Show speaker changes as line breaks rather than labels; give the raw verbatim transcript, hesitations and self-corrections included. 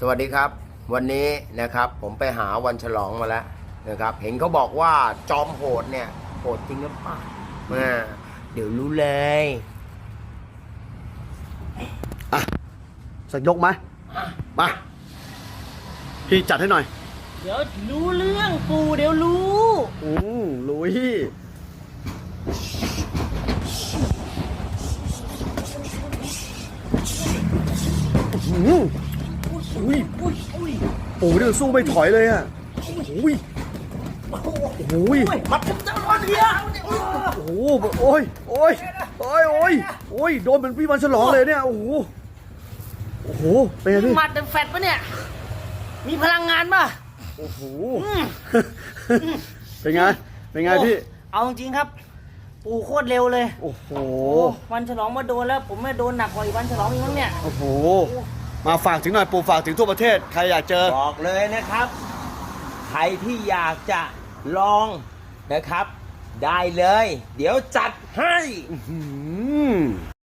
สวัสดีครับวันนี้นะครับผมไปหาวันฉลองมาแล้วนะครับเห็นเขาบอกว่าจอมโหดเนี่ยโหดจริงหรือเปล่าอ่าเดี๋ยวรู้เลย
อ่ะสักยกไหมมาพี่จัดให้หน่อย
เดี๋ยวรู้เรื่องปูเดี๋ยวรู้
อืมลุยอืมอุ้ยอุ้ยอุ้ยโอ้ยเดี๋ยวสู้ไม่ถอยเลยอ่ะอุ้ยโอ้ย
มัดเจ้าร้อนเดีย
โอ้โหโอ้ยโอ้ยโอ้ยโอ้ยโอ้ยโดนเป็นพี่วันฉลองเลยเนี่ยโอ้โหโอ้โหเป็นไงพี่
มัดเป็นแฟตปะเนี่ยมีพลังงานป่ะ
โอ้โหเป็นไงเป็นไงพี่
เอาจริงครับปูโคตรเร็วเลย
โอ้โห
วันฉลองมาโดนแล้วผมไม่โดนหนักกว่าอีกวันฉลองอีกมั้งเนี่ย
โอ้โหมาฝากถึงหน่อยปูฝากถึงทั่วประเทศใครอยากเจอ
บอกเลยนะครับใครที่อยากจะลองนะครับได้เลยเดี๋ยวจัดให้